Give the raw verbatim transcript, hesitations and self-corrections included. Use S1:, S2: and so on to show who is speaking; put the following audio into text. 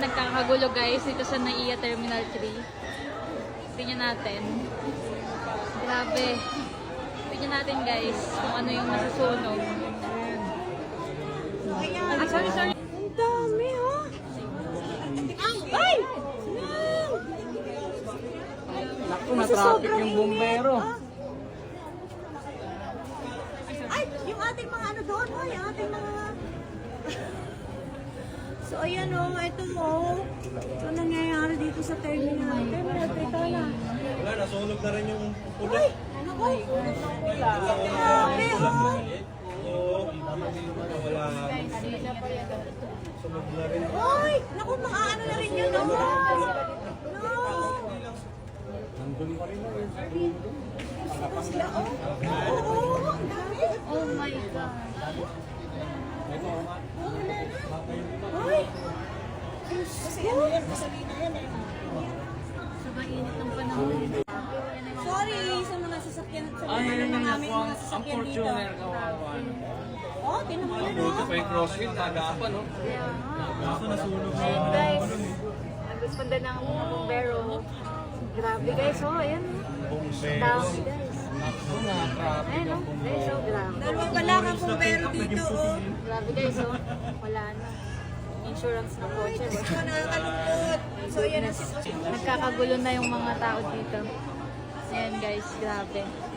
S1: nagkakagulo guys dito sa Naiya Terminal three. Tingnan natin. Grabe. Tingnan natin guys kung ano yung masusunog. Ah, sorry, sorry.
S2: Ang dami, oh. Ay!
S3: Naku, na-traffic yung bumbero.
S2: Ay, yung ating mga ano doon, oh, yung ating mga... So, ayan, oh, ito mo. Ito nangyayari dito sa terminal. Terminal, ito na.
S4: Wala, nasunog na rin yung pulo.
S2: Ay, naku. Grabe, oh.
S4: Oo, wala. Sunog na rin.
S2: Ay, naku, mga ano na rin yun, oh. No.
S4: Nandun pa rin.
S2: Ito sila, oh. Oo, ang dami.
S1: Oh my God.
S2: Ay! Kasi ano yan, gasolina yan eh.
S1: Sa mainit ng panahon.
S2: Sorry sa mga sasakyan sa
S3: Ay,
S2: mga
S3: yun
S2: naman
S3: yung
S2: namin
S3: nakuha.
S2: mga
S3: Ang
S2: sasakyan dito.
S3: Fortuner kawawa.
S2: Oh, tinan mo yun
S3: Buti
S2: oh.
S3: pa yung crossfit, nagapan, no?
S4: Kaso nasunog na.
S1: Ayun guys. Nagresponda ng mga bumbero. Grabe guys, oh, ayan.
S4: Bumbero.
S1: Dami guys.
S3: Naku, na-traffic
S1: Ayun,
S3: yung
S1: oh.
S3: bumbero.
S1: Guys, oh, grabe.
S2: Dalawa pala kang pumbero dito oh.
S1: Grabe guys, oh. Wala na. Insurance na kotse.
S2: Ito nakakalungkot. So yan ang sitwasyon.
S1: Nagkakagulo na yung mga tao dito. Ayan guys, grabe.